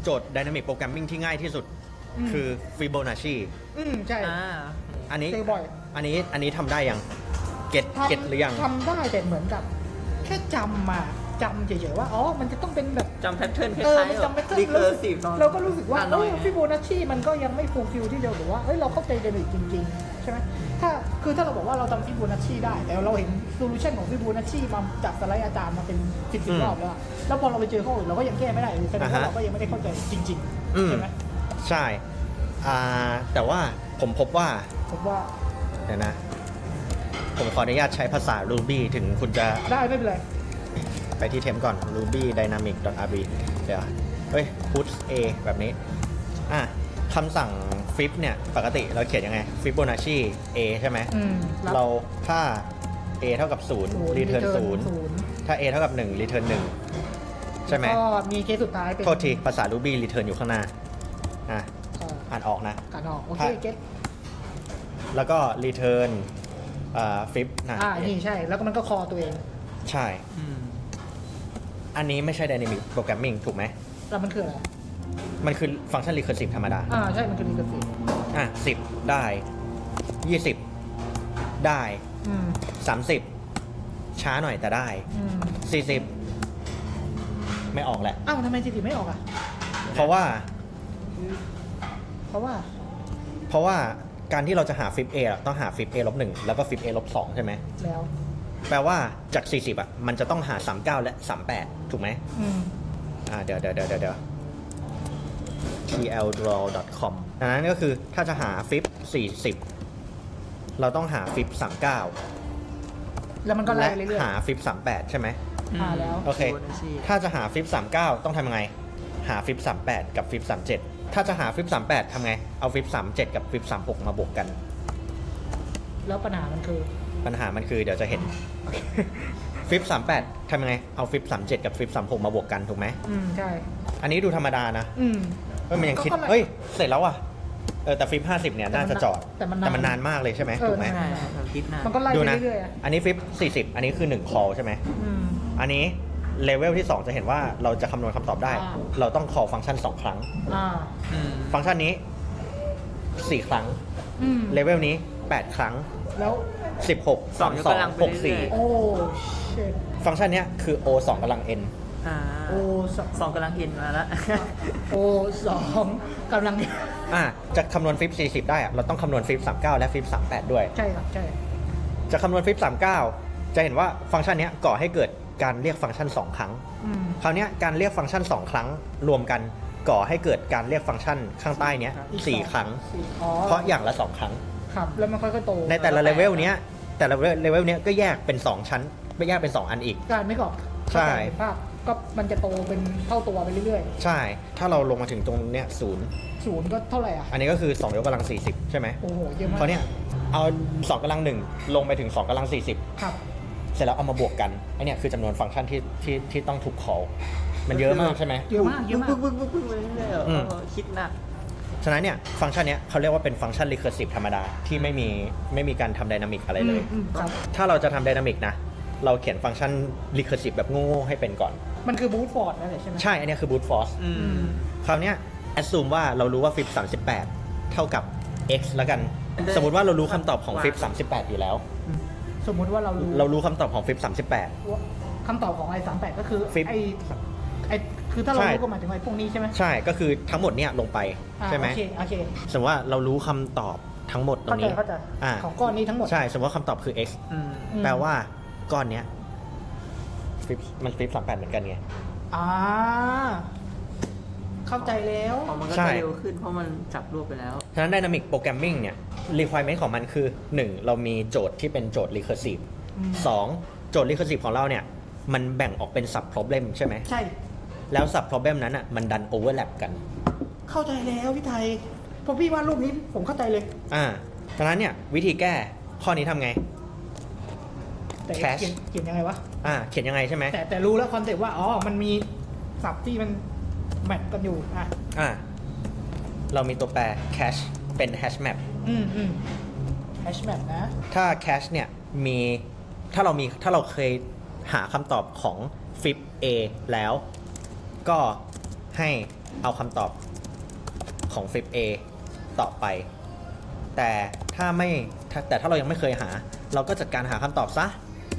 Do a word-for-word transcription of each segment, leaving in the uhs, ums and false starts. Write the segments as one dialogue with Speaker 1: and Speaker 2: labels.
Speaker 1: โจทย์ Dynamic Programming ที่ง่ายที่สุดคือ Fibonacci
Speaker 2: อืมใช่
Speaker 3: อ่า
Speaker 1: อันนี้
Speaker 2: เจอบ่อย
Speaker 1: อันนี้อันนี้ทำได้ยังเก็ต
Speaker 2: ทำ
Speaker 1: เก็ตหรือยัง
Speaker 2: ทำได้แต่เหมือนกับ แค่จำมาจำเฉยๆว่าอ๋อมันจะต้องเป็นแบบ
Speaker 3: จำแพทเทิร์นค
Speaker 2: เออ
Speaker 3: ล้าย
Speaker 2: มัน
Speaker 3: ๆ
Speaker 2: จำเป็น
Speaker 3: รีเคอร์ซีฟ
Speaker 2: เราก็รู้สึกว่า
Speaker 3: อ่
Speaker 2: เอ
Speaker 3: หน่ย
Speaker 2: อฟิโบนัชชีมันก็ยังไม่ฟูลฟิลที่เดียวหรือว่าเฮ้ยเราเข้าใจเดนิกจริงๆ ใช่ไหมถ้าคือถ้าเราบอกว่าเราทำฟิโบนัชชีได้ แต่เราเห็นโซลูชันของฟิโบนัชชีมาจากสไลด์อาจารย์มาเป็นสิบสิบรอบแล้วอะแล้วพอเราไปเจอข้ออื่นเราก็ยังแก้ไม่ได้เลยแสดงว่าเราก็ยังไม่ได้เข้าใจจริง
Speaker 1: อืม
Speaker 2: ๆใช่ไหม
Speaker 1: ใช่อ่าแต่ว่าผมพบว่า
Speaker 2: ผมว่า
Speaker 1: เดี๋ยวนะ ผมขออนุญาตใช้ภาษา Ruby ถึงคุณจะ
Speaker 2: ได้ไม่เป็นไร
Speaker 1: ไปที่เทมก่อน ruby dynamic rb เดี๋ยว เฮ้ย put a แบบนี้ อ่ะคำสั่ง flip เนี่ย ปกติเราเขียนยังไง fibonacci a ใช่ไหม
Speaker 2: อืมบ
Speaker 1: เราถ้า a เท่ากับ
Speaker 2: ศูนย์
Speaker 1: 0 return
Speaker 2: ศูนย์
Speaker 1: 0 ถ้า a เท่ากับ 1 return หนึ่ง ใช่ไหม
Speaker 2: ก็มีเคสสุดท้ายเป็น
Speaker 1: โทษที ภาษา Ruby return อยู่ข้างหน้า อ่ะ
Speaker 2: เอ่อ
Speaker 1: อ่านออกนะ
Speaker 2: การออกโอเค
Speaker 1: ถ้า
Speaker 2: เก็ต
Speaker 1: แล้วก็ return อ่า flip นะ
Speaker 2: อ่านี่ใช่แล้วก็มันก็คอตัวเอง
Speaker 1: ใช่
Speaker 3: อืม
Speaker 1: อันนี้ไม่ใช่ dynamic programming ถูกไหม
Speaker 2: แล้วมันคืออะไร
Speaker 1: มันคือฟังก์ชัน recursive ธรรมดา
Speaker 2: อ่าใช่มันคือรีเกอร์ซีฟ
Speaker 1: อ่ะสิบได้ยี่สิบได้
Speaker 2: อืม
Speaker 1: สามสิบช้าหน่อยแต่ได้
Speaker 2: อืม
Speaker 1: สี่สิบไม่ออกแหละ
Speaker 2: อ้าวทำไมจีทีไม่ออกอ่ะ
Speaker 1: เพราะว่า
Speaker 2: เพราะว่า
Speaker 1: เพราะว่าการที่เราจะหาฟิป A อะต้องหาฟิป A ลบหนึ่งแล้วก็ฟิป A ลบสองใช่ไหม
Speaker 2: แล้ว
Speaker 1: แปลว่าจาก สี่สิบอ่ะมันจะต้องหา สามสิบเก้า และ สามสิบแปด ถูกไหม
Speaker 2: อืม
Speaker 1: อ่าเดี๋ยวเดี๋ยวเดี๋ยวเดี๋ยว ที แอล draw ดอท คอม ดังนั้นก็คือถ้าจะหาฟิป สี่สิบ เราต้องหาฟิป สามสิบเก้า
Speaker 2: แล้วมันก็ไล่
Speaker 1: และ
Speaker 2: ไปเรื่อย
Speaker 1: หาฟิป สามสิบแปด ใช่ไหม
Speaker 2: ๆอ่าแล้ว
Speaker 1: โอเค
Speaker 3: Fibonacci
Speaker 1: ถ้าจะหาฟิป สามสิบเก้า ต้องทำยังไง หาฟิป สามสิบแปด กับฟิป สามสิบเจ็ด ถ้าจะหาฟิป สามสิบแปด ทำไง เอาฟิป สามสิบเจ็ด กับฟิป สามสิบหก มาบวกกัน
Speaker 2: แล้วปัญหามันคือ
Speaker 1: ปัญหามันคือเดี๋ยวจะเห็น ฟิป สามสิบแปด ทำยังไง เอาฟิป สามสิบเจ็ด กับฟิป สามสิบหก มาบวกกัน ถูกไหม
Speaker 2: อืมใช่
Speaker 1: อันนี้ดูธรรมดานะ
Speaker 2: อืม
Speaker 1: เฮ้ยมันยังคิด
Speaker 2: ก็ก็เลย
Speaker 1: เฮ้ย เสร็จแล้วอ่ะ เออ แต่ฟิป ห้าสิบ เนี่ย น่าจะจอด
Speaker 2: แต่มันนาน
Speaker 1: แต่มันนานมากเลยใช่ไหม
Speaker 2: เออ
Speaker 1: ถูกไหม
Speaker 2: นาน
Speaker 3: ใช่เราคิดนาน
Speaker 2: มันก็ไล่
Speaker 1: ดู
Speaker 2: ไป
Speaker 1: นะ
Speaker 2: เรื่อยๆอ่ะ
Speaker 1: อันนี้ฟิป สี่สิบ อันนี้คือหนึ่ง call ใช่ไหม
Speaker 2: อืม
Speaker 1: อันนี้เลเวลที่สองจะเห็นว่าเราจะคำนวณคำตอบได้
Speaker 2: อ่า
Speaker 1: เราต้อง call ฟังก์ชันสองครั้ง
Speaker 2: อ่า
Speaker 3: อืม
Speaker 1: ฟังก์ชันนี้สี่ครั้ง
Speaker 2: อืม
Speaker 1: เลเวลนี้แปดครั้ง
Speaker 2: แล้ว
Speaker 1: สิบหก
Speaker 3: สองยกกำลังไป
Speaker 1: หก
Speaker 3: เรื่
Speaker 1: สี่
Speaker 3: อย
Speaker 2: โอ้เชด
Speaker 1: ฟังก์ชันเนี้ยคือ o สองกำลัง n
Speaker 3: ๆอ่า
Speaker 2: โอ้ส
Speaker 3: สองกำลังเอ็นมาแล้ว
Speaker 2: โอ้สองกำลัง
Speaker 1: อ่ะจะคำนวณฟิปสี่สิบได้อะเราต้องคำนวณฟิปสามสิบเก้าและฟิปสามสิบแปดด้วย
Speaker 2: ใช่ครับใช่
Speaker 1: จะคำนวณฟิปสามสิบเก้าจะเห็นว่าฟังก์ชันเนี้ยก่อให้เกิดการเรียกฟังก์ชันสองครั้ง
Speaker 2: อืม
Speaker 1: คราวเนี้ยการเรียกฟังก์ชันสองครั้งรวมกันก่อให้เกิดการเรียกฟังก์ชันข้างใต้เนี้ย
Speaker 2: อีก
Speaker 1: สี่
Speaker 2: สอง
Speaker 1: ครั้ง
Speaker 2: สี่อ๋อ
Speaker 1: เพราะอย่างละสองครั้ง
Speaker 2: ครับแล้วมันค่อยๆโต
Speaker 1: ในแต่ละเลเวลเนี้ยแต่ละเลเวลเนี้ยก็แยกเป็นสองชั้นไม่แยกเป็นสองอันอีก
Speaker 2: การไม่กรอบ
Speaker 1: ใช่
Speaker 2: ภาพก็มันจะโตเป็นเท่าตัวไปเรื่อย
Speaker 1: ใช่ ถ้าเราลงมาถึงตรงเนี้ยศูนย์
Speaker 2: ๆศูนย์ก็เท่าไหร่อ่ะ
Speaker 1: อันนี้ก็คือสองยกกำลังสี่สิบใช่ไหม
Speaker 2: โอ้โหเยอะมาก
Speaker 1: เขาวเนี่ยเอาสองกำลังหนึ่งลงไปถึงสองกำลังสี่สิบ
Speaker 2: ครับ
Speaker 1: เสร็จแล้วเอามาบวกกันไอเนี่ยคือจำนวนฟังก์ชันที่ที่ที่ต้องถูก call มันเยอะมากใช่ไหม
Speaker 2: เยอะมากเยอะมาก
Speaker 3: ปึ๊กปึ๊กปึ๊กปึ๊กไปเรื่อยๆ
Speaker 1: อืม
Speaker 3: เออคิดหนัก
Speaker 1: ฉะนั้นเนี่ยฟังก์ชันเนี้ยเขาเรียกว่าเป็นฟังก์ชัน recursive ธรรมดาที่ไม่มีไม่มีการทำ dynamic อะไรเลย
Speaker 2: อืมครับ
Speaker 1: ถ้าเราจะทำ dynamic นะ เราเขียนฟังก์ชัน recursive แบบโง่ๆให้เป็นก่อน
Speaker 2: มันคือบูทฟอร์ดนั่นแหละใช่ไหม
Speaker 1: ใช่ อันเนี้ยคือ brute force
Speaker 3: อืม
Speaker 1: คราวเนี้ย assume ว่าเรารู้ว่า fib สามสิบแปดเท่ากับ x แล้วกัน
Speaker 3: ได้
Speaker 1: สมมติว่าเรารู้คำตอบของ fib สามสิบแปดอยู่แล้ว
Speaker 2: สมมุติว่าเรารู้
Speaker 1: เรารู้คำตอบของ fib สามสิบแปด
Speaker 2: ว่าคำตอบของไอ้สามแปดก็คือ
Speaker 1: ฟิป
Speaker 2: ไอ้ไอ้คือถ้าเรา
Speaker 1: ใช่
Speaker 2: รู้ก็หมายถึงไอ้พวกนี้ใช่ไหม
Speaker 1: ใช่ก็คือทั้งหมดเนี่ยลงไป
Speaker 2: อ่า
Speaker 1: ใช่ไหม
Speaker 2: โอเคโอเค
Speaker 1: สมมติว่าเรารู้คำตอบทั้งหมดตร
Speaker 2: เข้าง ใจ
Speaker 1: นี้
Speaker 2: เข้าใจ
Speaker 1: อ่า
Speaker 2: ของก้อนนี้ทั้งหมด
Speaker 1: ใช่ สมมติว่าคำตอบคือ x
Speaker 3: อืม
Speaker 2: อืม
Speaker 1: แปลว่าก้อนเนี้ยฟิปมันฟิปสามแปดเหมือนกันไง
Speaker 2: อ่าเข้าใจแล้ว
Speaker 3: พอมันก็
Speaker 1: ใช่
Speaker 3: จะเร็วขึ้นเพราะมันจับรวบไปแล้ว
Speaker 1: ฉะนั้น Dynamic Programming เนี่ย requirement ของมันคือ หนึ่ง เรามีโจทย์ที่เป็นโจทย์ recursive
Speaker 2: อืม
Speaker 1: สอง โจทย์ recursive ของเราเนี่ย มันแบ่งออกเป็น sub problem ใช่ไหม
Speaker 2: ใช่
Speaker 1: แล้ว sub problem นั้นอ่ะ มันดัน overlap กัน
Speaker 2: เข้าใจแล้วพี่ไทยพอพี่วาดรูปนี้ผมเข้าใจเลย
Speaker 1: อ่าฉะนั้นเนี่ย วิธีแก้ข้อนี้ทำไง
Speaker 2: แต่
Speaker 1: Cache
Speaker 2: เขียนเขียนยังไงวะ
Speaker 1: อ่า เขียนยังไงใช่ไหม
Speaker 2: แต่แต่รู้แล้วคอนเซ็ปต์ว่าอ๋อมันมีศัพท์ที่มันแมทกันอยู่อ่ะ
Speaker 1: อ่า เรามีตัวแปร cache เป็น hash map
Speaker 2: อืมอืมแฮชแมปนะ
Speaker 1: ถ้า cache เนี่ย มี ถ้าเรามี ถ้าเราเคยหาคำตอบของ fib a แล้ว ก็ให้เอาคำตอบของ Flip A ต่อไป แต่ถ้าไม่ถ้าแต่ถ้าเรายังไม่เคยหา เราก็จัดการหาคำตอบซะ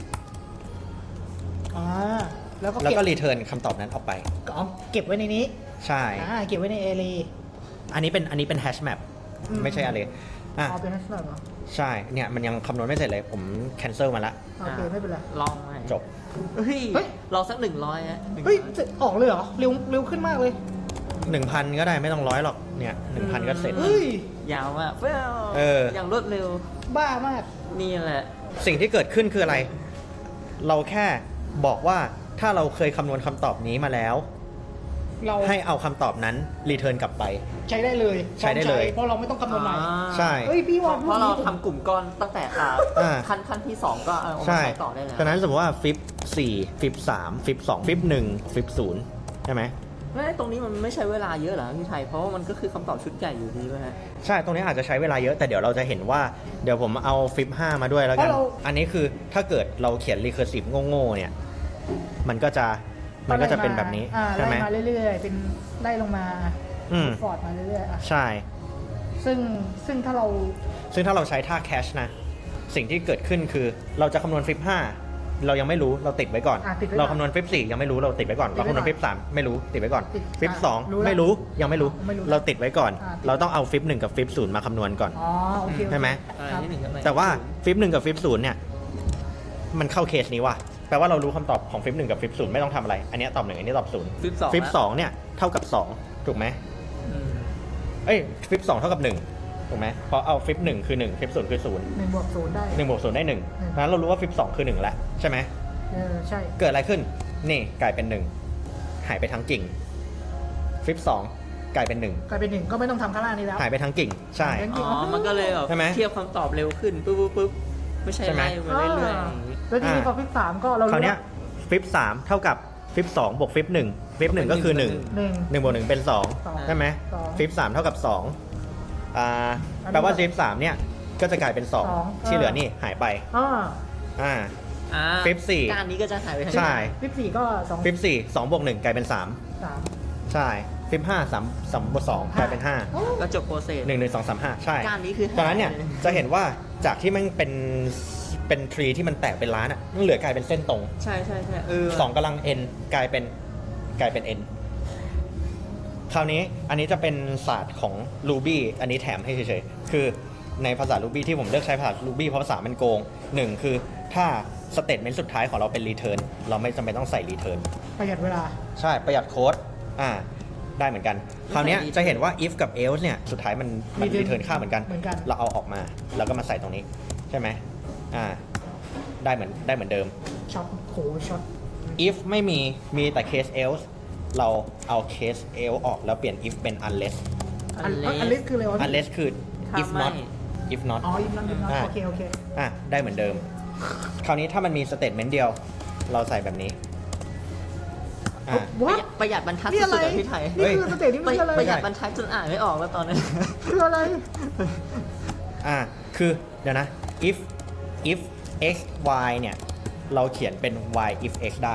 Speaker 2: อ่าแล้วก็
Speaker 1: แล้ว
Speaker 2: เก็บ
Speaker 1: ก็รีเทิร์นคำตอบนั้นออกไป
Speaker 2: เอาเก็บไว้ในนี้
Speaker 1: ใช่
Speaker 2: อ่าเก็บไว้ในเอรี
Speaker 1: อันนี้เป็นอันนี้เป็นแฮชแมป
Speaker 2: อืม
Speaker 1: ไม่ใช่อะไรอ่ะ
Speaker 2: เอาเป็นลักษณะเหรอ
Speaker 1: ใช่เนี่ยมันยังคำนวณไม่เสร็จเลยผมแคนเซิลมาละ
Speaker 2: โอเคไม่เป็นไร
Speaker 3: ลองไหม
Speaker 1: จบ
Speaker 3: เฮ้ย
Speaker 2: เฮ้ย
Speaker 3: ลองสักหนึ่งร้อยฮะหนึ่งร้
Speaker 2: เฮ้ย
Speaker 3: อย
Speaker 2: จะออกเลยเหรอเร็วเร็วขึ้นมากเลย
Speaker 1: หนึ่งพันก็ได้ไม่ต้องร้อยหรอกเนี่ยหนึ่งพันก็เสร็จ
Speaker 2: เฮ้ย
Speaker 3: ยาวมากเฟ้ย
Speaker 1: เออ
Speaker 3: อย่างรวดเร็ว
Speaker 2: บ้ามาก
Speaker 3: นี่แหละ
Speaker 1: สิ่งที่เกิดขึ้นคืออะไร เราแค่บอกว่าถ้าเราเคยคำนวณคำตอบนี้มาแล้ว
Speaker 2: เรา
Speaker 1: ให้เอาคำตอบนั้นรีเทิร์นกลับไป
Speaker 2: ใช้ได้เลย
Speaker 1: ใช้ได้เลย
Speaker 2: เพราะเราไม่ต้องคำนวณใหม่
Speaker 1: ใช่
Speaker 2: เฮ้ยพี่ว่า
Speaker 3: เพราะเราทำกลุ่มก้อนตั้งแต่อ่า
Speaker 1: อ่า
Speaker 3: ขั้นขั้นที่สองก็เอามา
Speaker 1: ใช่
Speaker 3: ใช้ต่อได้แล้ว
Speaker 1: ฉะนั้นสมมติว่าฟิปสี่ฟิปสามฟิปสองฟิปหนึ่งฟิปศูนย์ใช่ไหม
Speaker 3: แล้วไอ้ตรงนี้มันไม่ใช้เวลาเยอะเหรอพี่ไทย เพราะว่ามันก็คือคำตอบชุดใหญ่อยู่ดีไหมฮะ
Speaker 1: ใช่ ตรงนี้อาจจะใช้เวลาเยอะ แต่เดี๋ยวเราจะเห็นว่า เดี๋ยวผมเอาฟิปห้ามาด้วยแล้วกัน อันนี้คือถ้าเกิดเราเขียน recursive โง่ๆเนี่ย มันก็จะ มันก็จะเป็นแบบนี้
Speaker 2: อ่า
Speaker 1: ใช่ไหม
Speaker 2: ไล่มาเรื่อยๆ เป็นไล่ลงมา
Speaker 1: อืม
Speaker 2: ฟอร์ดมาเรื่อยๆอ่ะ
Speaker 1: ใช่
Speaker 2: ซึ่งซึ่งถ้าเรา
Speaker 1: ซึ่งถ้าเราใช้ท่า cache นะ สิ่งที่เกิดขึ้นคือเราจะคำนวณฟิปห้าเรายังไม่รู้เราติดไว้ก่อน
Speaker 2: อ่ะติดไว้ก่อน
Speaker 1: เราคำนวณฟิปสี่ยังไม่รู้เราติดไว้ก่อน
Speaker 2: ติด
Speaker 1: เรา
Speaker 2: ไว้
Speaker 1: คำนวณ
Speaker 2: ก่อน
Speaker 1: ฟิปสามไม่รู้ติดไว้ก่อน
Speaker 2: ติด
Speaker 1: ฟิป
Speaker 2: อ่ะ
Speaker 1: สอง
Speaker 2: รู้แล้ว
Speaker 1: ไม่รู้ยังไม่รู้
Speaker 2: ไม่รู้
Speaker 1: เราติดไว้ก่อน
Speaker 2: อ่ะติด
Speaker 1: เราต้องเอาฟิปหนึ่งกับฟิปศูนย์มาคำนวณก่อน
Speaker 2: อ๋อโอเคโอเค
Speaker 1: ใช่ไหม
Speaker 3: อ่า
Speaker 2: ครับ
Speaker 3: นี่หนึ่งกับ
Speaker 1: แต่ว่าฟิปหนึ่งกับฟิปศูนย์เนี่ย มันเข้าเคสนี้ว่ะแปลว่าเรารู้คำตอบของฟิปหนึ่งกับฟิปศูนย์ไม่ต้องทำอะไร อันเนี้ยตอบหนึ่งอันนี้ตอบศูนย์
Speaker 3: ฟิปสอง
Speaker 1: ฟิปสองเนี่ยเท่ากับสองถูกไหม
Speaker 3: อืม
Speaker 1: เอ้ยฟิปสองเท่ากับหนึ่งถูกไหมเพราะเอาฟิปหนึ่งคือหนึ่งฟิปศูนย์คือศูนย์
Speaker 2: หนึ่งบวกศูนย์ได้
Speaker 1: หนึ่งบวกศูนย์ได้หนึ่ง
Speaker 2: อืม
Speaker 1: นั้นเรารู้ว่าฟิปสองคือหนึ่งแล้วใช่ไหม
Speaker 2: เออใช่
Speaker 1: เกิดอะไรขึ้นนี่กลายเป็นหนึ่งหายไปทั้งกิ่งฟิปสองกลายเป็นหนึ่ง
Speaker 2: กลายเป็นหนึ่งก็ไม่ต้องทำข้างล่างนี้แล้ว
Speaker 1: หายไปทั้งกิ่งใช่
Speaker 2: หายไปทั้ง
Speaker 3: อ๋อ มันก็เลยแบบ
Speaker 1: ใช่ไหม
Speaker 3: เทียบคำตอบเร็วขึ้นปุ๊บปุ๊บปุ๊บไม่ใช่
Speaker 1: ใช่ไหม
Speaker 3: ไล่มาเรื่อยๆอย่างนี้
Speaker 2: แล้วทีนี้พอฟิปสามก็เรา
Speaker 1: คราว
Speaker 2: รู้
Speaker 1: เนี้ยฟิปสามเท่ากับฟิปสองบวกฟิปหนึ่งฟิปหนึ่งก็คือหนึ่ง
Speaker 2: หนึ่ง
Speaker 1: หนึ่งบวกหนึ่งเป็นสอง
Speaker 2: สอง
Speaker 1: ใช่ไหม
Speaker 2: สอง
Speaker 1: ฟิปสามเท่ากับสองอ่า
Speaker 2: อันนี้
Speaker 1: แปลว่าฟิปสามเนี่ยก็จะกลายเป็นสอง
Speaker 2: สอง
Speaker 1: ที่เหลือนี่หายไป
Speaker 2: อ่า
Speaker 1: อ่า
Speaker 3: อ่า
Speaker 1: ฟิปสี่
Speaker 3: การนี้ก็จะหายไปทั้ง
Speaker 1: ใช่
Speaker 2: ฟิปสี่ก็สอง
Speaker 1: ฟิปสี่สองบวกหนึ่งกลายเป็นสาม
Speaker 2: สาม
Speaker 1: ใช่ฟิปห้าสามสามบวกสองกลายเป็นห้า
Speaker 2: โอ้
Speaker 3: ก็จบโปรเซส
Speaker 1: หนึ่งหนึ่งสองสามห้าใช่
Speaker 3: การนี้คือ
Speaker 1: ตอนนั้นเนี่ยจะเห็นว่าจากที่มันเป็นเป็นทรีที่มันแตกเป็นล้านอ่ะมันเหลือกลายเป็นเส้นตรง
Speaker 3: ใช่ใช่ใช่เออ
Speaker 1: สองกำลัง n กลายเป็นกลายเป็น n คราวนี้อันนี้จะเป็นศาสตร์ของ Ruby อันนี้แถมให้เฉยๆ คือในภาษา Ruby ที่ผมเลือกใช้ภาษา Ruby เพราะภาษามันโกงหนึ่งคือถ้าสเตทเมนต์สุดท้ายของเราเป็น return เราไม่จำเป็นต้องใส่ return
Speaker 2: ประหยัดเวลา
Speaker 1: ใช่ประหยัดโค้ดอ่าได้เหมือนกัน คราวเนี้ยจะเห็นว่า if กับ else เนี่ยสุดท้ายมันมัน
Speaker 2: return
Speaker 1: return ค่าเหมือนกัน
Speaker 2: เหมือนกัน
Speaker 1: เราเอาออกมาแล้วก็มาใส่ตรงนี้ใช่ไหมอ่าได้เหมือนได้เหมือนเดิม
Speaker 2: ช็อตโหช็อต
Speaker 1: if ไม่มีมีแต่ case else เราเอา case else ออกแล้วเปลี่ยน if เป็น unless
Speaker 2: อันอันเล็กคืออะไรวะพี่
Speaker 1: unless คือ
Speaker 3: ถ้า
Speaker 1: if
Speaker 3: ไม่
Speaker 1: not if not
Speaker 2: อ๋อยิมนั่นยิมนั่น
Speaker 1: อ่า
Speaker 2: โอเคโอเค
Speaker 1: อ่ะได้เหมือนเดิม คราวนี้ถ้ามันมี statement เดียว เราใส่แบบนี้อ่ะ
Speaker 3: ประ
Speaker 2: วะ
Speaker 3: หยัดประหยัดบรรทัด
Speaker 2: นี่อะไร
Speaker 3: สุดๆอะพี่ไทย
Speaker 2: นี่คือสเตจนี่
Speaker 3: ป
Speaker 2: มัน
Speaker 3: ระ
Speaker 2: คืออะไร
Speaker 3: ประหยัดบรรทัดจนอ่านไม่ออกแล้วตอนนี้
Speaker 2: คืออะไร
Speaker 1: อ่ะคือเดี๋ยวนะ if if x y เนี่ยเราเขียนเป็น y if x ได้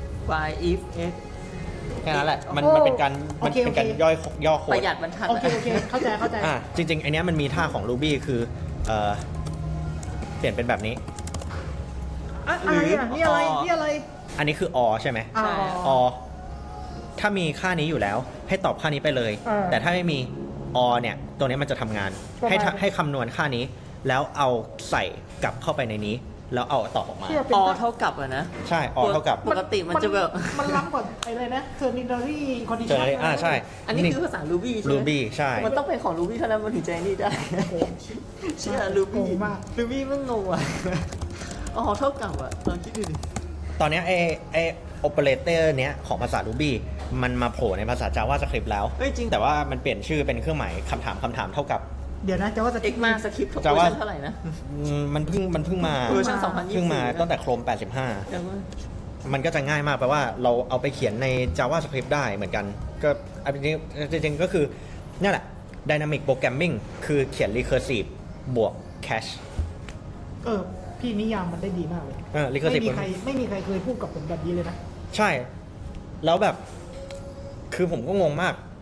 Speaker 3: y if x
Speaker 1: แค่นั้นแหละ มัน
Speaker 2: โอ้
Speaker 1: มันเป็นการมัน
Speaker 2: โอเค
Speaker 1: เป็นการ
Speaker 2: โอเค
Speaker 1: ย่อยย่อโค้
Speaker 3: ป
Speaker 1: ด
Speaker 3: ระหยัดบรรทัด
Speaker 2: โอเคโอเคเข้าใจเข้าใจ
Speaker 1: อ่ะจริงๆไอเนี้ยมันมีท่าของ Ruby คือเอ่อเปลี่ยนเป็นแบบนี้
Speaker 2: อะอะไรอ่ะนี่อะไรนี่อะไร
Speaker 1: อันนี้คือ or ใช่ไหม
Speaker 2: อ๋อ
Speaker 1: or ถ้ามีค่านี้อยู่แล้ว ให้ตอบค่านี้ไปเลย
Speaker 2: เออ
Speaker 1: แต่ถ้าไม่มี or เนี่ยตัวนี้มันจะทำงาน
Speaker 2: ประมาณ
Speaker 1: ให้ทำให้คำนวณค่านี้ แล้วเอาใส่กลับเข้าไปในนี้ แล้วเอาตอบออกมา
Speaker 2: เทียบเป็น
Speaker 3: อเท่ากับอะนะ
Speaker 1: ใช่ or เท่ากับ
Speaker 3: ปกติมันจะแบบ
Speaker 2: มันล้ำกว่าไอ้อะไรนะ ternary
Speaker 1: เจอ
Speaker 2: condition
Speaker 1: อ่าใช่
Speaker 3: อันนี้คือภาษา Ruby ใช่ไหม
Speaker 1: Ruby ใช่
Speaker 3: มันต้องเป็นของ Ruby เท่านั้นมันถึงจะไอ้นี่ได้
Speaker 2: โอ้โห
Speaker 3: เชื่อ
Speaker 2: โก
Speaker 3: Ruby
Speaker 2: งมาก
Speaker 3: Ruby มันงงอ่ะอ๋อเท่ากับอ่ะลองคิดดูดิ
Speaker 1: ตอนเนี้ยไอไอ operator เนี้ยของภาษา Ruby มันมาโผล่ในภาษา JavaScript แล้ว
Speaker 3: เฮ้ยจริง
Speaker 1: แต่ว่ามันเปลี่ยนชื่อเป็นเครื่องหมายคำถามคำถามเท่ากับ
Speaker 2: เดี๋ยวนะจะว่าจะ
Speaker 3: เอ็กมาสคริปต์
Speaker 1: จะ
Speaker 3: เวอ
Speaker 1: ว่า
Speaker 3: ร์ชันเท่าไหร่นะ
Speaker 1: อืมมันเพิ่งมันเพิ่งมา
Speaker 3: เวอร์ชันสองพันยี่สิบ
Speaker 1: เพิ่งมา
Speaker 3: นะ
Speaker 1: ตั้งแต่ Chrome แปดสิบห้า
Speaker 3: แต่ว่า
Speaker 1: มันก็จะง่ายมากแปลว่าเราเอาไปเขียนใน JavaScript ได้เหมือนกัน ก็อันนี้จริงๆก็คือนี่แหละ Dynamic Programming คือเขียน Recursive บวก Cache
Speaker 2: เออพี่นิยามมันได้ดีมากเลย
Speaker 1: เออ
Speaker 2: ไม่
Speaker 1: Recursive
Speaker 2: มีใครไม่มีใครเคยพูดกับผมแบบนี้เลยนะ
Speaker 1: ใช่ แล้วแบบ คือผมก็งงมาก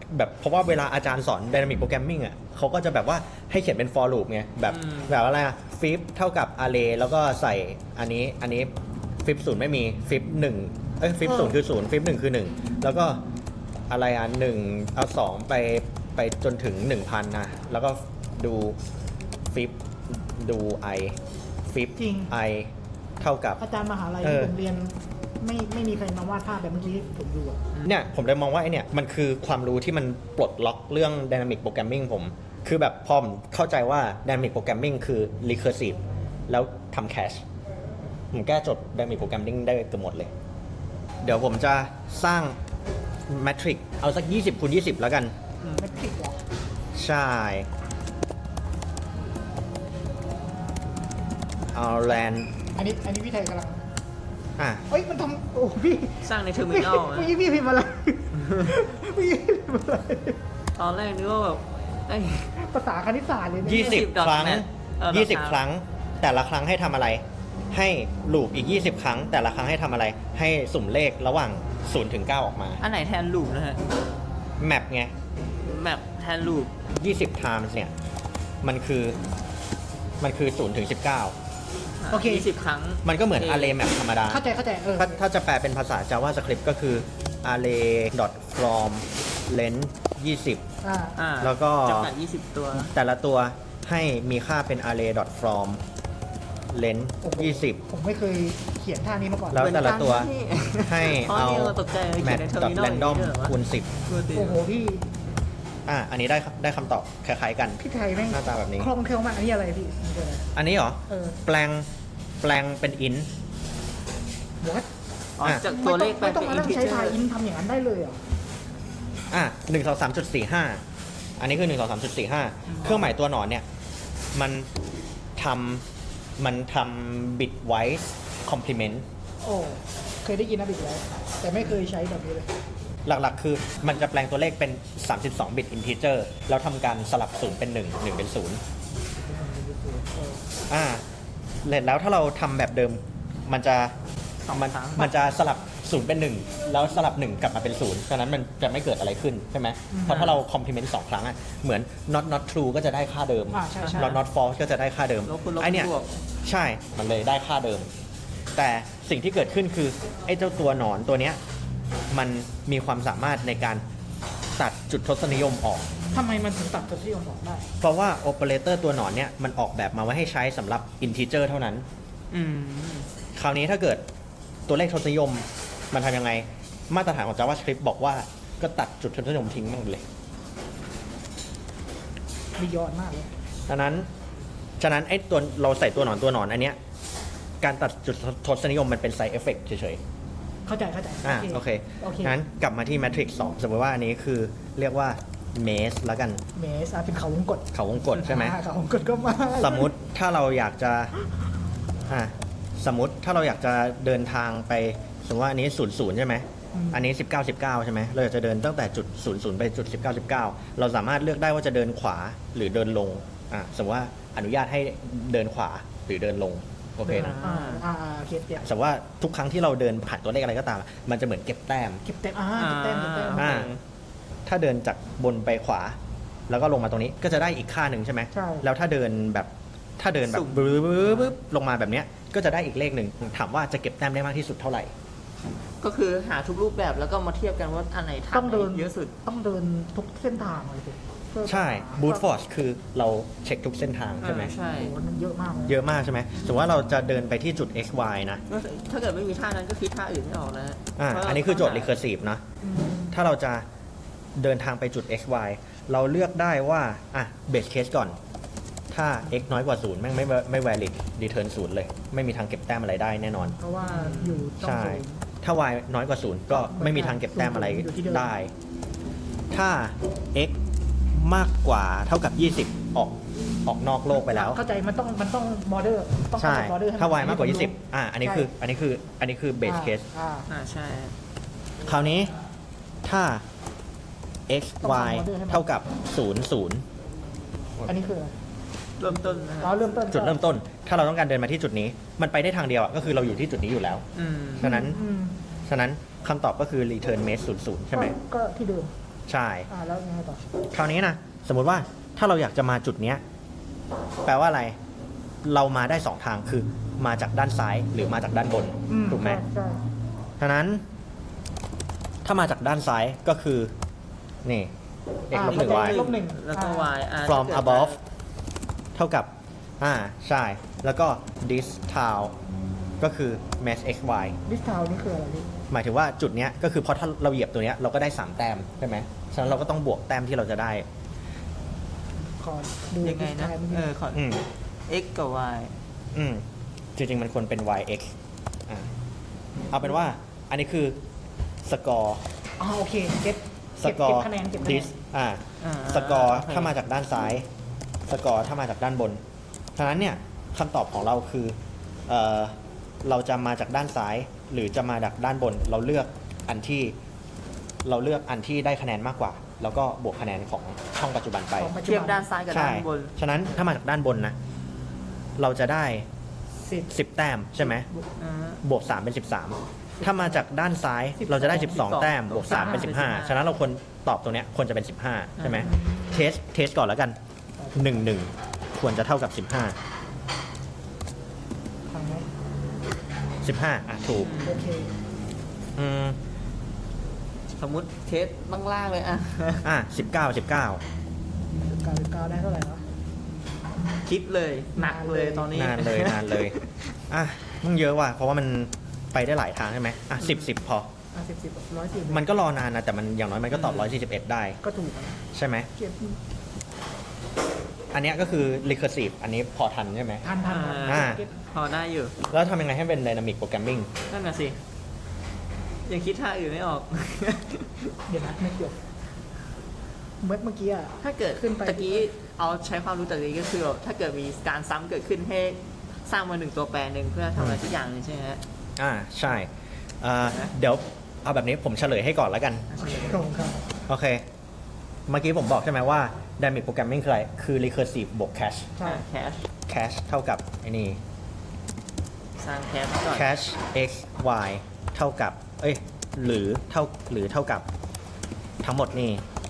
Speaker 1: แบบเพราะว่าเวลาอาจารย์สอน Dynamic Programming อ่ะเขาก็จะแบบว่าให้เขียนเป็น for loop ไงแบบ
Speaker 3: อืม
Speaker 1: แบบอะไรอะ flip เท่ากับ array แล้วก็ใส่อันนี้อันนี้ flip ศูนย์ไม่มี flip หนึ่งเอ้ย flip ศูนย์คือศูนย์ flip หนึ่งคือหนึ่งแล้วก็อะไรอ่ะหนึ่งเอาสองไปไปจนถึง หนึ่งพัน นะแล้วก็ดู flip ดู i flip
Speaker 2: จริง
Speaker 1: i เท่ากับ
Speaker 2: อาจารย์มหาลัย
Speaker 1: เอ
Speaker 2: ที่
Speaker 1: อ
Speaker 2: ผมเรียนไม่ไม่มีใครมาวาดภาพแบบเมื่อกี้ที่ผมดูอะ
Speaker 1: เนี่ยผมเลยมองว่าไอเนี่ยมันคือความรู้ที่มันปลดล็อกเรื่อง Dynamic Programming ผม คือแบบพอผมเข้าใจว่า Dynamic Programming คือ recursive แล้วทำ cache ผมแก้โจทย์ Dynamic Programming ได้เกือบหมดเลย เดี๋ยวผมจะสร้าง Matrix เอาสัก ยี่สิบคูณยี่สิบ แล้วกัน
Speaker 2: ไม่ผิดหรอก
Speaker 1: ใช่ เอาแลน
Speaker 2: อันนี้อันนี้พี่ไทยกำลัง
Speaker 1: อ่ะ
Speaker 2: เอ้ยมันทำโอ้พี่
Speaker 3: สร้างในเทอร์มินอล
Speaker 2: เมื่อกี้พี่พิมพ์อะไรเมื่อกี้พี่พิมพ์อะไร
Speaker 3: ตอนแรกนึกว่าแบบไอ้
Speaker 2: ภาษาคณิตศาสตร์เลยนะ
Speaker 1: ยี่สิบ
Speaker 3: ดอท
Speaker 1: ครั้ง
Speaker 3: เน็ตเออ
Speaker 1: ยี่สิบ
Speaker 3: ดอทเน็ต
Speaker 1: ครั้ง แต่ละครั้งให้ทำอะไร ให้ลูปอีก ยี่สิบ ครั้ง แต่ละครั้งให้ทำอะไร ให้สุ่มเลขระหว่างศูนย์ถึงเก้าออกมา
Speaker 3: อันไหนแทนลูปนะฮะ
Speaker 1: แมปไง
Speaker 3: แมปแทนลูป
Speaker 1: ยี่สิบ times เนี่ย มันคือ มันคือศูนย์ถึงสิบเก้า
Speaker 2: โอเค
Speaker 3: ยี่สิบครั้ง
Speaker 1: มันก็เหมือน array map ธรรมดา
Speaker 2: เข้าใจเข้าใจเออ
Speaker 1: ถ้าถ้าจะแปลเป็นภาษา JavaScript ก็คือ array from length ยี่สิบ
Speaker 2: อ่า
Speaker 3: อ่า
Speaker 1: แล้วก็
Speaker 3: จำกัดยี่สิบตัว
Speaker 1: แต่ละตัวให้มีค่าเป็น array from length
Speaker 2: โอ้โห
Speaker 1: ยี่สิบ
Speaker 2: ผมไม่เคยเขียนท่านี้มาก่อน
Speaker 1: แล้วแต่ละตัว ให้
Speaker 3: อ๋อ
Speaker 1: เอา
Speaker 3: นี่เราตกใจเลยเขี
Speaker 1: map
Speaker 3: ยนใน
Speaker 1: dot
Speaker 3: terminal
Speaker 1: random
Speaker 3: อย่างนี้ด้วยเหรอวะ
Speaker 1: คูณสิบ
Speaker 2: โอ้โหพี่
Speaker 1: อ่ะ อันนี้ได้ได้คำตอบคล้ายๆกัน
Speaker 2: พี่ไทยแม่ง
Speaker 1: หน้าตาแบบนี้
Speaker 2: คล่องแคล่วมากอันนี้อะไรพี่มันคืออะไร
Speaker 1: อันนี้เหรอ
Speaker 2: เออ
Speaker 1: แปลง แปลงเป็น int
Speaker 2: what
Speaker 3: อ๋อ
Speaker 1: อ่ะ
Speaker 3: จากตัวเลขไป
Speaker 2: ไม่ต้
Speaker 3: เป็
Speaker 2: อง
Speaker 3: น
Speaker 2: มา
Speaker 3: อิ
Speaker 2: นั่
Speaker 3: น
Speaker 2: ง
Speaker 3: ทิ
Speaker 2: ใช้
Speaker 3: เจอ
Speaker 2: ทาย
Speaker 3: ร์
Speaker 2: อินทำอย่างนั้นได้เลยเหรอ
Speaker 1: อ่ะหนึ่งสองสามจุดสี่ห้าอันนี้คือหนึ่งสองสามจุดสี่ห้าเครื่องหมายตัวหนอนเนี่ย มันทำมันทำ bitwise complement
Speaker 2: โอ้เคยได้ยินนะบิ๊กแล้วแต่ไม่เคยใช้แบบนี้เลย
Speaker 1: หลักๆ คือมันจะแปลงตัวเลขเป็น สามสิบสอง bit integer แล้วทำการสลับศูนย์เป็นหนึ่ง หนึ่งเป็นศูนย์อ่าแล้วถ้าเราทำแบบเดิม มันจะ
Speaker 3: สอง
Speaker 1: มัน
Speaker 3: ครั้ง
Speaker 1: มันจะสลับศูนย์เป็นหนึ่งแล้วสลับหนึ่งกลับมาเป็นศูนย์ฉะนั้นมันจะไม่เกิดอะไรขึ้นใช่ไหม
Speaker 2: อืม
Speaker 1: เพราะถ้าเรา complement สองครั้งอะเหมือน not not true ก็จะได้ค่าเดิม
Speaker 2: อ่าใช่ใช่
Speaker 1: not not false ก็จะได้ค่าเดิม
Speaker 3: ลบคูณลบ
Speaker 1: ไอเนี่ย
Speaker 3: บวก
Speaker 1: ใช่มันเลยได้ค่าเดิม แต่สิ่งที่เกิดขึ้นคือไอ้เจ้าตัวหนอนตัวเนี้ยมันมีความสามารถในการตัดจุดทศนิยมออก
Speaker 2: ทำไมมันถึงตัดตัวที่ผมบอกได้
Speaker 1: เพราะว่าโอเปอเรเตอร์ตัวหนอนเนี่ยมันออกแบบมาไว้ให้ใช้สำหรับ integer เท่านั้น
Speaker 3: อืม
Speaker 1: คราวนี้ถ้าเกิดตัวเลขทศนิยมมันทำยังไง มาตรฐานของ JavaScript บอกว่าก็ตัดจุดทศนิยมทิ้งมันเลย
Speaker 2: มียอดมากเลย
Speaker 1: ฉะนั้นฉะนั้นไอ้ตัวเราใส่ตัวหนอนตัวหนอนอันเนี้ยการตัดจุดทศนิยมมันเป็น side effect เฉย
Speaker 2: เข้าใจเข้าใจ
Speaker 1: ๆอ่าโอเค
Speaker 2: โอเค
Speaker 1: งั้นกลับมาที่ Matrix สองสมมติว่าอันนี้คือเรียกว่า maze แล้วกัน
Speaker 2: เมสอ่ะเป็นเขาวงกด
Speaker 1: เขาวงกฏใช่ไหม
Speaker 2: อ่าเขาวงกดก็มา
Speaker 1: สมมุติถ้าเราอยากจะอ่ะสมมุติถ้าเราอยากจะเดินทางไปสมมติว่าอันนี้ศูนย์ศูนย์ใช่ไหม
Speaker 2: ม
Speaker 1: อันนี้สิบเก้า สิบเก้าใช่ไหมเราอยากจะเดินตั้งแต่จุดศูนย์ศูนย์ไปจุดสิบเก้า สิบเก้าเราสามารถเลือกได้ว่าจะเดินขวาหรือเดินลงอ่ะสมมติว่าอนุญาตให้เดินขวาหรือเดินลงโอเคนะ
Speaker 2: อ่าอ่าอ่าโอเคเก็บ
Speaker 1: สมมติว่าทุกครั้งที่เราเดินผ่านตัวเลขอะไรก็ตาม มันจะเหมือนเก็บแต้ม
Speaker 2: เก็บแต้มอ่าเก็บแต้มเก็บแต้ม
Speaker 1: อ่า ถ้าเดินจากบนไปขวา แล้วก็ลงมาตรงนี้ก็จะได้อีกค่าหนึ่งใช่ไหม
Speaker 2: ใช่
Speaker 1: แล้วถ้าเดินแบบถ้าเดินแบบบึ๊บบึ๊บบึ๊บลงมาแบบเนี้ยก็จะได้อีกเลขหนึ่งถามว่าจะเก็บแต้มได้มากที่สุดเท่าไหร่
Speaker 3: ก็คือหาทุกรูปแบบแล้วก็มาเทียบกันว่าอันไหนทำ
Speaker 2: ต้องเดิน
Speaker 3: เยอะสุด
Speaker 2: ต้องเดินทุกเส้นทางเลยสิเพื่อ
Speaker 1: ใช่ boot force คือเราเช็คทุกเส้นทางใช่ไหม
Speaker 3: เออใช่
Speaker 2: โอ้โหมันเยอะมากเลย
Speaker 1: เยอะมากใช่ไหมสมมติว่าเราจะเดินไปที่จุด x y นะ
Speaker 3: ก็ถ้าเกิดไม่มีท่านั้นก็คิดท่าอื่นไม่ออกแล้ว
Speaker 1: อ่า
Speaker 3: เพราะเรา
Speaker 1: อันนี้คือโจทย์
Speaker 3: ต้งหา
Speaker 1: recursive นะ
Speaker 2: อืม
Speaker 1: ถ้าเราจะเดินทางไปจุด x y เราเลือกได้ว่าอ่ะ base case ก่อน ถ้า x น้อยกว่าศูนย์แม่งไม่ไม่ valid return ศูนย์เลย ไม่มีทางเก็บแต้มอะไรได้แน่นอน
Speaker 2: เพราะว่าอยู่ต้อง
Speaker 1: ใช่
Speaker 2: ศูนย์
Speaker 1: ถ้า y น้อยกว่าศูนย์ก็ไม่มีทางเก็บแต้มอะไร
Speaker 2: อยู่ที่เดิม
Speaker 1: ได้ ถ้า x มากกว่าเท่ากับ ยี่สิบ ออกออกนอกโลกไปแล้ว
Speaker 2: เข้าใจมันต้องมันต้องบอร์เดอร์ต้อง
Speaker 1: ใช่
Speaker 2: บอร์เดอร์
Speaker 1: ถ้า y มากกว่า ยี่สิบ อ่า อันนี้คือ อันนี้คือ อันนี้คือ base case
Speaker 2: อ่า
Speaker 3: อ่าใช่
Speaker 1: คราวนี้ถ้า x
Speaker 2: ต้องทำ
Speaker 1: y
Speaker 2: ออเดอร์ให้มัน
Speaker 1: เท่ากับ ศูนย์ ศูนย์
Speaker 2: อันนี้คืออะไร
Speaker 3: เริ่มต้นนะ
Speaker 2: เราเริ่มต้น
Speaker 1: จุดเริ่มต้น ถ้าเราต้องการเดินมาที่จุดนี้ มันไปได้ทางเดียวอะก็คือเราอยู่ที่จุดนี้อยู่แล้ว
Speaker 3: อืม
Speaker 1: ฉะนั้น
Speaker 2: อืม
Speaker 1: ฉะนั้นคำตอบก็คือ return maze ศูนย์ ศูนย์ใช่ไหม
Speaker 2: ก็ก็ที่เดิม
Speaker 1: ใช่
Speaker 2: อ่าแล้วยังไงต่อ
Speaker 1: คราวนี้นะสมมุติว่าถ้าเราอยากจะมาจุดเนี้ยแปลว่าอะไร เรามาได้สองทางคือมาจากด้านซ้ายหรือมาจากด้านบน
Speaker 2: อื
Speaker 1: ถูกไหม
Speaker 2: ใช่
Speaker 1: ฉะนั้น ถ้ามาจากด้านซ้ายก็คือนี่ x ลบหนึ่ง y
Speaker 2: ลบหนึ่ง
Speaker 3: แล้วก็ y อ่ะ
Speaker 1: from
Speaker 3: ถ้าเกิด
Speaker 1: above เท่ากับอ่าใช่ แล้วก็ this tau ก็คือ mass xy
Speaker 2: ดิสทาวนี่คืออะไรพี่
Speaker 1: หมายถึงว่าจุดเนี้ยก็คือเพราะถ้าเราเหยียบตัวเนี้ยเราก็ได้สามแต้มใช่ไหมฉะนั้นเราก็ต้องบวกแต้มที่เราจะได้
Speaker 2: ขอดู
Speaker 3: ยังไง
Speaker 2: ดิส
Speaker 3: นะ
Speaker 2: ทาวเมื่อกี้
Speaker 3: เออขอ
Speaker 1: อืม
Speaker 3: x กับ y
Speaker 1: อืมจริงๆ มันควรเป็น yx อ่าเอาเป็นว่าอันนี้คือสกอร์
Speaker 2: อ๋อโอเคเก็บ
Speaker 1: ส
Speaker 2: เก็บ
Speaker 1: กอ
Speaker 2: เก็บ
Speaker 1: ร์
Speaker 2: คะแนนเก็บคะแน
Speaker 1: ดิ
Speaker 2: น
Speaker 1: สอ่า
Speaker 3: อ่า
Speaker 1: สกอร์
Speaker 3: โอเค
Speaker 1: ถ้ามาจากด้านซ้าย สกอร์ถ้ามาจากด้านบนฉะนั้นเนี่ยคำตอบของเราคือเอ่อเราจะมาจากด้านซ้าย หรือจะมาจากด้านบน เราเลือกอันที่เราเลือกอันที่ได้คะแนนมากกว่า แล้วก็บวกคะแนนของช่องปัจจุบันไป
Speaker 2: ของปัจจุ
Speaker 3: เทียบ
Speaker 2: บัน
Speaker 3: ด้านซ้ายกับ
Speaker 1: ใช่
Speaker 3: ด้านบน
Speaker 1: ฉะนั้นถ้ามาจากด้านบนนะ เราจะได้
Speaker 2: สิบ
Speaker 1: สิบแต้มใช่ไหม
Speaker 3: อ่า
Speaker 1: บวกสามเป็นสิบสามถ้ามาจากด้านซ้ายเราจะได้สิบสองแต้มบวกสามเป็นสิบห้าฉะนั้นเราควรตอบตรงเนี้ยควรจะเป็นสิบห้าใช่ไหมเทสเทสก่อนแล้วกันหนึ่งหนึ่งควรจะเท่ากับสิบห้า
Speaker 2: ทางไหน
Speaker 1: สิบห้าอ่ะถูก
Speaker 2: โอเค
Speaker 1: อืม
Speaker 3: สมมุติเทสล่างๆเลยอ่ะ
Speaker 1: อ่ะสิบเก้าสิบเก้า
Speaker 2: เก้าสิบเก้าได้เท่าไหร่วะ
Speaker 3: คิดเลยหนักเลยตอนนี้
Speaker 1: นานเลยนานเลยอ่ะมันเยอะว่ะเพราะว่ามันไปได้หลายทางใช่ไหมอ่ะสิบสิบพอ
Speaker 2: อ่ะสิบสิบร้อยสี่
Speaker 1: มันก็รอนานนะแต่มันอย่างน้อยมันก็ตอบร้อยสี่สิบเอ็ดได้
Speaker 2: ก็ถูกนะ
Speaker 1: ใช่ไหม
Speaker 2: เก็บ
Speaker 1: อันเนี้ยก็คือ recursive อันนี้พอทันใช่ไหม
Speaker 2: ทันทัน
Speaker 1: อ่า
Speaker 2: เก็บ
Speaker 3: พอได้อยู่
Speaker 1: แล้วทำยังไงให้เป็น dynamic programming
Speaker 3: นั่นน่ะสิ ยังคิดท่าอื่นไม่ออก
Speaker 2: เดี๋ยวนะไม่เกี่ยวเมื่อเมื่อกี้อะ
Speaker 3: ถ้าเกิด
Speaker 2: ขึ้นไป
Speaker 3: ตะกี้เอาใช้ความรู้ตะกี้ก็คือแบบถ้าเกิดมีการซ้ำเกิดขึ้นให้สร้างมาหนึ่งตัวแปรหนึ่งเพื่อทำอะไรสักอย่างหนึงใช่ไหมฮะ
Speaker 1: อ่าใช่อ่าเดี๋ยวเอาแบบนี้ผมเฉลยให้ก่อนแล้วกัน
Speaker 2: โอเคครับผมครับ
Speaker 1: โอเค เมื่อกี้ผมบอกใช่ไหมว่า dynamic programming คืออะไร คือ recursive บวก cache
Speaker 2: ใช่
Speaker 3: แคช
Speaker 1: cache เท่ากับไอ้นี่
Speaker 3: สร้างแคชก่อน
Speaker 1: cache x y เท่ากับ เอ้ย หรือเท่า หรือเท่ากับทั้งหมดนี่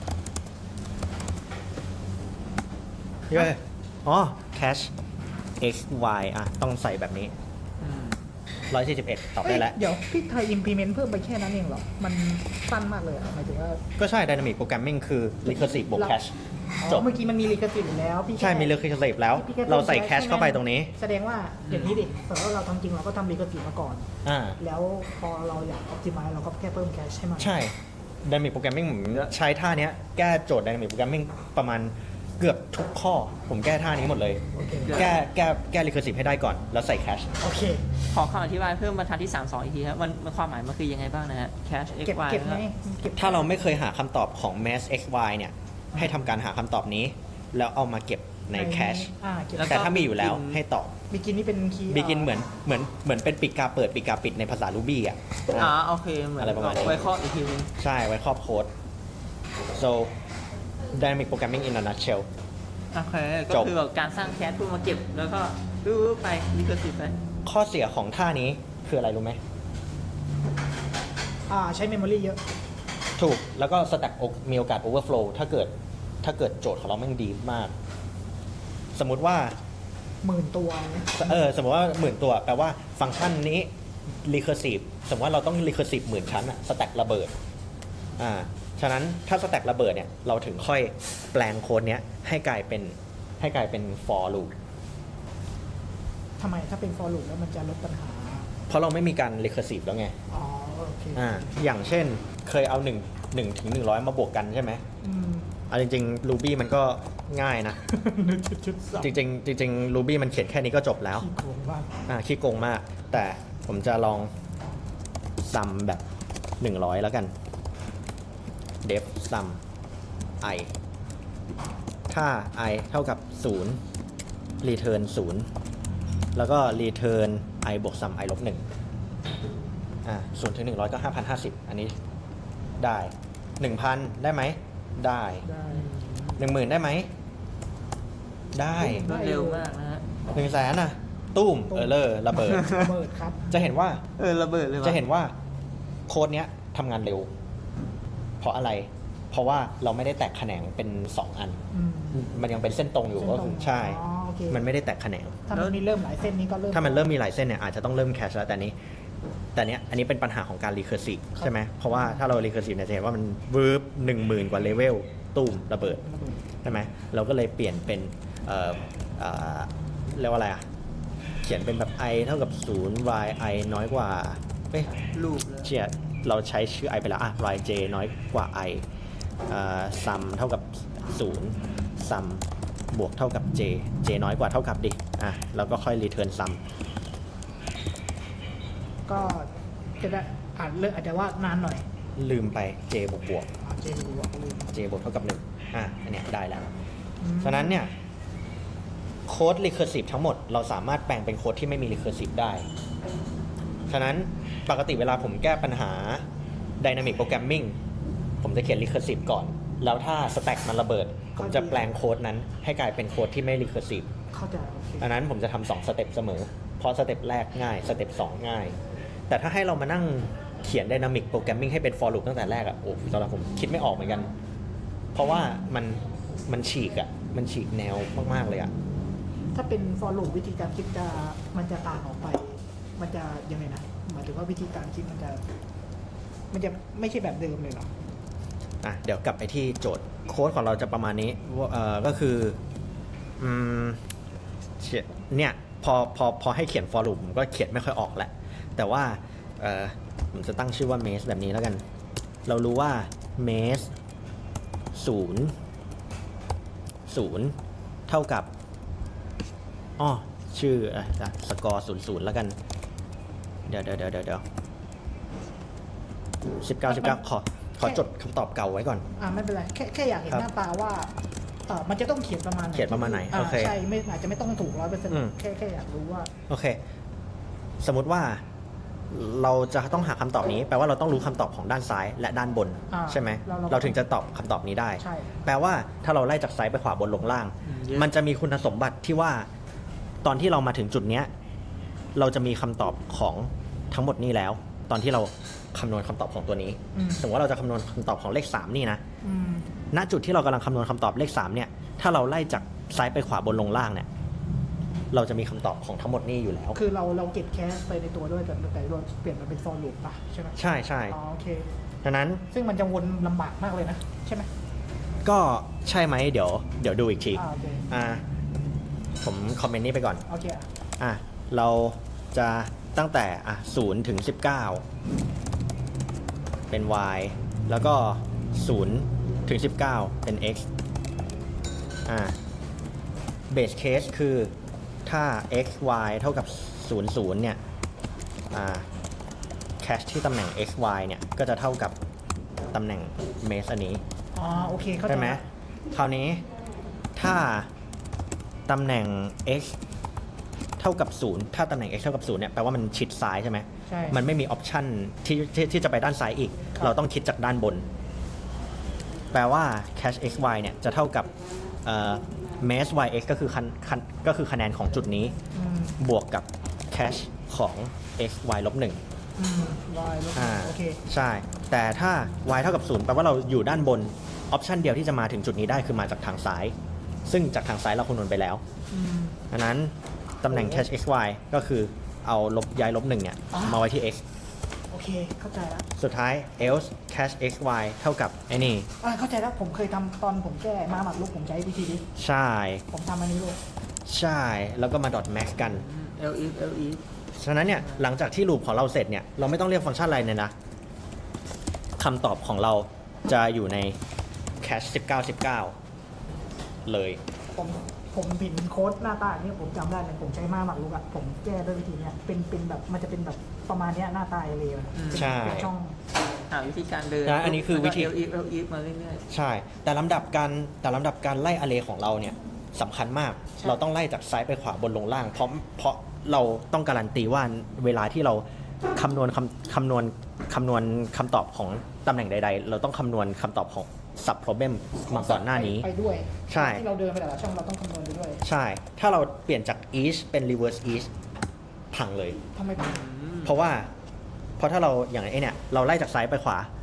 Speaker 1: เย้อ๋อ cache x y อ่ะ ต้องใส่แบบนี้
Speaker 3: อืม
Speaker 1: หนึ่งร้อยสี่สิบเอ็ดตอบได้แล้ว
Speaker 2: เอ้ยเดี๋ยวพี่ไทย implement เพิ่มไปแค่นั้นเองเหรอ มันสั้นมากเลยอะหมายถึงว่า
Speaker 1: ก็ใช่ dynamic programming คือ recursive บวก cache
Speaker 2: อ๋
Speaker 1: จ
Speaker 2: อบ เมื่อกี้มันมี recursive อยู่แล้วพี่
Speaker 1: ใช่ มี
Speaker 2: แค่
Speaker 1: recursive แล้ว
Speaker 2: พี่แค่
Speaker 1: เราใส่
Speaker 2: พิ่ม
Speaker 1: cache เข้าไปตรงนี้
Speaker 2: แสดงว่าอย่างนี้ดิสมมติว่าเราทำจริงเราก็ทำ recursive มาก่อน
Speaker 1: อ่า
Speaker 2: แล้วพอเราอยาก optimize เราก็แค่เพิ่ม cache ให้มัน
Speaker 1: ใช่ Dynamic Programming ผมใช้ท่าเนี้ยแก้โจทย์ Dynamic Programming ประมาณเกือบทุกข้อ ผมแก้ท่านี้หมดเลย
Speaker 2: โอเค
Speaker 1: แก้แก้แก้ recursive ให้ได้ก่อน แล้วใส่ cache
Speaker 2: โอเค
Speaker 3: ขอคำอธิบายเพิ่มบรรทัดที่สามสองอีกทีครับมันมันความหมายมันคือยังไงบ้างนะฮะแคช x
Speaker 2: เก็บ
Speaker 3: y
Speaker 2: เก็บไหมเก็บ
Speaker 1: ถ้าเราไม่เคยหาคำตอบของ mass x y เนี่ย ให้ทำการหาคำตอบนี้ แล้วเอามาเก็บใน cache
Speaker 2: อ่าเก็บ
Speaker 3: แล้ว
Speaker 1: แต่ถ้ามีอยู่แล้ว
Speaker 3: begin
Speaker 1: ให้ตอบ
Speaker 2: บิกินนี่เป็นคีย์
Speaker 1: begin เหมือนเหมือนเหมือนเป็นปีกาเปิดปีกาปิดในภาษา Ruby อ่ะ
Speaker 3: อ๋อโอเคเหมือน
Speaker 1: อะไรประมาณนี้
Speaker 3: ไว้ข้ออีกทีนึง
Speaker 1: ใช่ ไว้ครอบโค้ด so Dynamic Programming in a nutshell
Speaker 3: โอเค ก็
Speaker 1: จบ
Speaker 3: คือแบบการสร้างแคชเพื่อมาเก็บแล้วก็รู้ไปรีเคอร์ซีฟไป
Speaker 1: ข้อเสียของท่านี้คืออะไรรู้ไหม
Speaker 2: อ่าใช้เมมโมรีเยอะ
Speaker 1: ถูก แล้วก็สแต็กมีโอกาส overflow ถ้าเกิดถ้าเกิดโจทย์ของเราแม่งดีมาก สมมุติว่า
Speaker 2: หมื่นตัว
Speaker 1: เออสมมติว่าหมื่นตัว แปลว่าฟังก์ชันนี้ recursive สมมติว่าเราต้อง recursive หมื่นชั้นอะสแต็กระเบิดอ่าฉะนั้นถ้าสแต็กระเบิดเนี่ย เราถึงค่อยแปลงโค้ดเนี้ยให้กลายเป็นให้กลายเป็น for loop
Speaker 2: ทำไมถ้าเป็น for loop แล้วมันจะลดปัญหา
Speaker 1: เพราะเราไม่มีการ recursive แล้วไง
Speaker 2: อ๋อโอเค
Speaker 1: อ่าอย่างเช่นเคยเอาหนึ่ง หนึ่งถึงหนึ่งร้อยมาบวกกันใช่ไหม
Speaker 2: อืม
Speaker 1: เอาจริงๆ Ruby มันก็ง่ายนะ
Speaker 2: หนึ่งจุดจุดสอง
Speaker 1: จริงๆจริงๆ Ruby มันเขียนแค่นี้ก็จบแล้ว
Speaker 2: ขี้โกงมาก
Speaker 1: อ่าขี้โกงมาก แต่ผมจะลองซัมแบบ หนึ่งร้อย แล้วกัน def sum i ถ้า i เท่ากับ ศูนย์ return ศูนย์ แล้วก็ return i บวก sum i ลบหนึ่งอ่าศูนย์ถึงหนึ่งร้อยก็ห้าพันห้าสิบอันนี้ได้หนึ่งพันได้ไหม ได้
Speaker 2: ได้
Speaker 1: หนึ่งหมื่นได้ไหม ได้
Speaker 3: รวดเร็วมากนะฮะ
Speaker 1: หนึ่งแสนน่ะ ตุ้ม เออเลอร์ระเบิด
Speaker 2: ระเบิดครับ
Speaker 1: จะเห็นว่า
Speaker 3: เออระเบิดเลยว่ะ
Speaker 1: จะเห็นว่าโค้ดเนี้ยทำงานเร็ว เพราะอะไร เพเพราะว่าเราไม่ได้แตกแขนงเป็นสองอัน
Speaker 2: อืม
Speaker 1: มันยังเป็นเส้นตรงอยู่
Speaker 2: เส้นตรง
Speaker 1: ก็คือใช่
Speaker 2: อ๋อโอเค
Speaker 1: มันไม่ได้แตกแขนง
Speaker 2: ถ้ามันมีเริ่มหลายเส้นนี้ก็เริ่ม
Speaker 1: ถ้ามันเริ่มมีหลายเส้นเนี่ยอาจจะต้องเริ่มแคชแล้วแต่นี้ แต่เนี้ยอันนี้เป็นปัญหาของการรีเคอร์ซีฟใช่ไหมเพราะว่าถ้าเรารีเคอร์ซีฟเนี่ยจะเห็นว่ามันวืบหนึ่งหมื่นกว่าเลเวลตูมระเบิดใช่ไหมเราก็เลยเปลี่ยนเป็นเอ่อเอ่อเรียกว่าอะไรอ่ะเขียนเป็นแบบ i เท่ากับศูนย์ y i น้อยกว่าเอ้ย
Speaker 3: รูปเลย
Speaker 1: เชียเราใช้ชื่อ i ไปแล้วอ่ะ y j น้อยกว่า i เอ่อ sum เท่ากับศูนย์ sum บวกเท่ากับ j j น้อยกว่าเท่ากับดิอ่ะแล้วก็ค่อย return sum
Speaker 2: ก็จะได้อ่านเลือกอาจจะว่านานหน่อย
Speaker 1: ลืมไป j บวกบวก
Speaker 2: อ่าเจดูว่าลืม
Speaker 1: j บวกเท่ากับหนึ่งอ่ะอันเนี้ยได้แล้ว
Speaker 2: อืม
Speaker 1: ฉะนั้นเนี่ยโค้ด recursive ทั้งหมดเราสามารถแปลงเป็นโค้ดที่ไม่มี recursive ได้ ฉะนั้นปกติเวลาผมแก้ปัญหา dynamic programming ผมจะเขียน recursive ก่อน แล้วถ้า stack มันระเบิด ผมจะแปลงโค้ดนั้นให้กลายเป็นโค้ดที่ไม่ recursive
Speaker 2: เข้าใจโอเค
Speaker 1: ดังนั้นผมจะทำสองสเต็ปเสมอ เพราะสเต็ปแรกง่ายสเต็ปสองง่าย แต่ถ้าให้เรามานั่งเขียน dynamic programming ให้เป็น for loop ตั้งแต่แรกอะโอ้สำหรับผมคิดไม่ออกเหมือนกัน เพราะว่ามันมันฉีกอะมันฉีกแนวมากๆเลยอะ
Speaker 2: ถ้าเป็น for loop วิธีการคิดจะมันจะต่างออกไป มันจะยังไงนะหมายถึงว่าวิธีการคิดมันจะ มันจะไม่ใช่แบบเดิมเลยเหรอ
Speaker 1: อ่ะเดี๋ยวกลับไปที่โจทย์โค้ดของเราจะประมาณนี้ว่าเอ่อก็คืออืมเขียนเนี่ยพอพอพอให้เขียน for loop ผมก็เขียนไม่ค่อยออกแหละ แต่ว่าเอ่อผมจะตั้งชื่อว่า maze แบบนี้แล้วกัน เรารู้ว่า maze ศูนย์ศูนย์เท่ากับอ้อชื่ออ่ะสกอร์ศูนย์ศูนย์แล้วกัน เดี๋ยวเดี๋ยวเดี๋ยวเดี๋ยวสิบเก้าสิบเก้าขอขอจดคำตอบเก่าไว้ก่อน
Speaker 2: อ่าไม่เป็นไรแค่แค่อยากเห็น
Speaker 1: ครับ
Speaker 2: หน้าตาว่าเออมันจะต้องเขียนประมาณไหน
Speaker 1: เขียนประมาณไหน
Speaker 2: อ่า
Speaker 1: โอเค
Speaker 2: ใช่ไม่อาจจะไม่ต้องถูกร้อยเปอร์เซ็นต์
Speaker 1: อืม
Speaker 2: แค่แค่อยากรู้ว่า
Speaker 1: โอเค สมมุติว่าเราจะต้องหาคำตอบนี้ แปลว่าเราต้องรู้คำตอบของด้านซ้ายและด้านบน
Speaker 2: อ่า
Speaker 1: ใช่ไหม
Speaker 2: เราเรา
Speaker 1: เราถึงจะตอบคำตอบนี้ได้
Speaker 2: ใช่
Speaker 1: แปลว่าถ้าเราไล่จากซ้ายไปขวาบนลงล่าง
Speaker 3: อืมเยอะ
Speaker 1: มันจะมีคุณสมบัติที่ว่าตอนที่เรามาถึงจุดเนี้ยเราจะมีคำตอบของทั้งหมดนี้แล้ว ตอนที่เราคำนวณคำตอบของตัวนี้
Speaker 2: อืม
Speaker 1: สมมติว่าเราจะคำนวณคำตอบของเลขสามนี่นะ
Speaker 2: อืม
Speaker 1: ณจุดที่เรากำลังคำนวณคำตอบเลขสามเนี่ย ถ้าเราไล่จากซ้ายไปขวาบนลงล่างเนี่ย เราจะมีคำตอบของทั้งหมดนี้อยู่แล้ว
Speaker 2: คือเราเราเก็บแคสไปในตัวด้วยแต่แต่เราเปลี่ยนมาเป็น for loop ป่ะใช่ไหม
Speaker 1: ใช่ใช่
Speaker 2: อ๋อโอเค
Speaker 1: ดังนั้น
Speaker 2: ซึ่งมันจะวนลำบากมากเลยนะ ใช่ไหม
Speaker 1: ก็ใช่ไหมเดี๋ยวเดี๋ยวดูอีกที
Speaker 2: อ่าโอเค
Speaker 1: อ่าผมคอมเมนต์นี้ไปก่อน
Speaker 2: โอเคอ่ะ
Speaker 1: อ่ะเราจะตั้งแต่อ่ะศูนย์ถึงสิบเก้าเป็น y แล้วก็ศูนย์ถึงสิบเก้าเป็น x อ่า base case คือถ้า x y เท่ากับศูนย์ ศูนย์เนี่ยอ่า cache ที่ตำแหน่ง x y เนี่ยก็จะเท่ากับตำแหน่ง maze อันนี้
Speaker 2: อ๋อโอเคเข้าใจ
Speaker 1: ใช่ไหม
Speaker 2: ละ
Speaker 1: คราวนี้ถ้าตำแหน่ง x เท่ากับศูนย์ถ้าตำแหน่ง x เท่ากับศูนย์เนี่ยแปลว่ามันชิดซ้ายใช่ไหม
Speaker 2: ใช่
Speaker 1: มันไม่มีออปชันที่ที่ที่จะไปด้านซ้ายอีก
Speaker 2: ครับ
Speaker 1: เราต้องคิดจากด้านบน แปลว่า cache x y เนี่ยจะเท่ากับเอ่อ maze y x ก็คือคะคะก็คือคะแนนของจุดนี้
Speaker 2: อืม
Speaker 1: บวกกับ cache ของ x y ลบหนึ่ง
Speaker 2: อืมวายลบ
Speaker 1: อ่า
Speaker 2: โอเค
Speaker 1: ใช่ แต่ถ้า y เท่ากับศูนย์แปลว่าเราอยู่ด้านบน ออปชันเดียวที่จะมาถึงจุดนี้ได้คือมาจากทางซ้าย ซึ่งจากทางซ้ายเราคำนวณไปแล้ว
Speaker 2: อืม
Speaker 1: ดังนั้นตำแหน่ง cache x y ก็คือเอาลบย้ายลบหนึ่งเนี่ย
Speaker 2: อ๋อ
Speaker 1: มาไว้ที่ x
Speaker 2: โอเคเข้าใจแล้ว
Speaker 1: สุดท้าย else cache x y เท่ากับไอ้นี่
Speaker 2: อ่าเข้าใจแล้วผมเคยทำตอนผมแก้มาหมักลุกผมใช้วิธีนี้
Speaker 1: ใช่
Speaker 2: ผมทำอันนี้เลย
Speaker 1: ใช่แล้วก็มา dot max กัน
Speaker 3: เอลอีฟเอลอีฟ
Speaker 1: ฉะนั้นเนี่ยหลังจากที่ลูปของเราเสร็จเนี่ยเราไม่ต้องเรียกฟังก์ชันอะไรเนี่ยนะคำตอบของเราจะอยู่ใน cache สิบเก้า สิบเก้า เลย
Speaker 2: ผมผมเห็นโค้ดหน้าตาอย่างนี้ผมจำได้เลยผมใช้มาหมักลุกอะผมแก้ด้วยวิธีเนี้ยเป็นเป็นแบบมันจะเป็นแบบประมาณเนี้ยหน้าตาเอเลย
Speaker 1: ใช่
Speaker 2: เป็นช่อง
Speaker 3: หาวิธีการเดิน
Speaker 1: นะอันนี้คือวิธี
Speaker 3: เอลอีฟเอลอีฟมาเรื่อย
Speaker 1: ใช่ แต่ลำดับการแต่ลำดับการไล่ array ของเราเนี่ยสำคัญมาก
Speaker 2: ใช่
Speaker 1: เราต้องไล่จากซ้ายไปขวาบนลงล่าง เพราะเพราะเราต้องการันตีว่าเวลาที่เราคำนวณคำคำนวณคำนวณคำตอบของตำแหน่งใด ๆ เราต้องคำนวณคำตอบของ sub problem มาก่อนหน้านี้
Speaker 2: ไปด้วย
Speaker 1: ใช่
Speaker 2: ที่เราเดินไปแต่ละช่องเราต้องคำนวณไปด้วย
Speaker 1: ใช่ ถ้าเราเปลี่ยนจาก each เป็น reverse each พังเลย
Speaker 2: ทำไมผม
Speaker 3: ๆอืม
Speaker 1: เพราะว่าเพราะถ้าเราอย่างไอ้เนี่ยเราไล่จากซ้ายไปขวา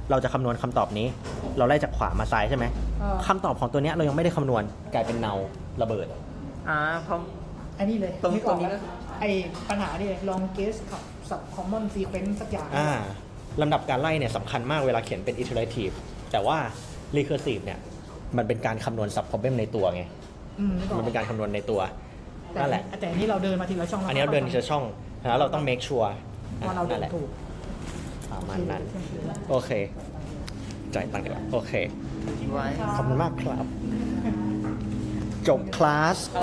Speaker 1: เราจะคำนวณคำตอบนี้ เราไล่จากขวามาซ้ายใช่ไหม
Speaker 2: เออ
Speaker 1: คำตอบของตัวเนี้ยเรายังไม่ได้คำนวณกลายเป็นเนาระเบิด
Speaker 3: อ่าเพราะ
Speaker 2: อันนี้เลย
Speaker 3: ตรง
Speaker 2: นึกออก
Speaker 3: ตรงนี้
Speaker 2: แล้ว
Speaker 3: ก็
Speaker 2: ไอปัญหานี่เลยลองเกสกับสับคอมมอนซีเควนซ์สักอย่าง
Speaker 1: อ่าลำดับการไล่เนี่ยสำคัญมากเวลาเขียนเป็น iterative แต่ว่า recursive เนี่ยมันเป็นการคำนวณ sub problem ในตัวไง
Speaker 2: อืมนึกออ
Speaker 1: มั
Speaker 2: ก
Speaker 1: นเป็นการคำนวณในตัว
Speaker 2: แต่
Speaker 1: นั่นแหละ
Speaker 2: แต่อันนี้เราเดินมาทีละช่อง
Speaker 1: อันนี้เราเดินทีละช่องแล้วเราต้อง make sure
Speaker 2: ว่าเราเดิ
Speaker 1: นั่น
Speaker 2: น
Speaker 1: แหละ
Speaker 2: ถูก
Speaker 1: ประมาณนั้น โอเค จ่ายตังค์ดีกว่าโอเค
Speaker 3: ไว้
Speaker 1: ขอบคุณมากครับ จบคลาส